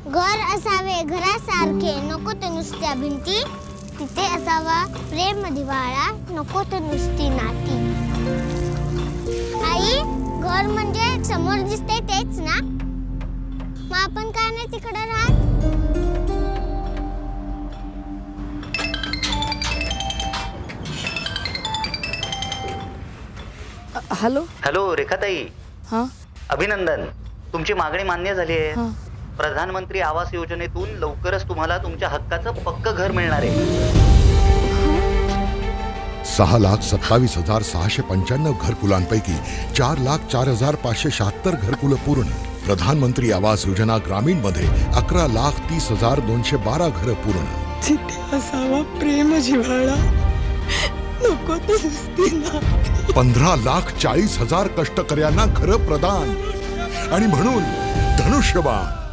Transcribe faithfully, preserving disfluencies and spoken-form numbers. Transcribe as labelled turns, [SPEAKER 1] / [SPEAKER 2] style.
[SPEAKER 1] घर असावे घरासारखे, नको तर नुसत्या भिंती. तिथे असावा प्रेम जिव्हाळा, नको तर नुसती नाती. आई, घर म्हणजे समोर दिसते तेच ना? मग आपण का नाही तिकडे राहत?
[SPEAKER 2] हॅलो
[SPEAKER 3] हॅलो रेखाताई,
[SPEAKER 2] हां
[SPEAKER 3] अभिनंदन, तुमची मागणी मान्य झाली आहे.
[SPEAKER 2] हां
[SPEAKER 3] प्रधानमंत्री आवास योजनेतून लवकरच तुम्हाला तुमच्या हक्काचं पक्क घर मिळणार आहे.
[SPEAKER 4] सहा लाख सत्तावीस हजार सहाशे पंच्याण्णव घरकुलांपैकी चार लाख चार हजार पाचशे शहात्तर घरकुलं पूर्ण. प्रधानमंत्री आवास योजना ग्रामीण मध्ये अकरा लाख तीस हजार दोनशे बारा घरं पूर्ण.
[SPEAKER 2] तिथे असावा प्रेम जिव्हाळा, नको तर नुसती नाती.
[SPEAKER 4] पंधरा लाख चाळीस हजार कष्टकऱ्यांना घरं प्रदान. आणि म्हणून धनुष्यबाण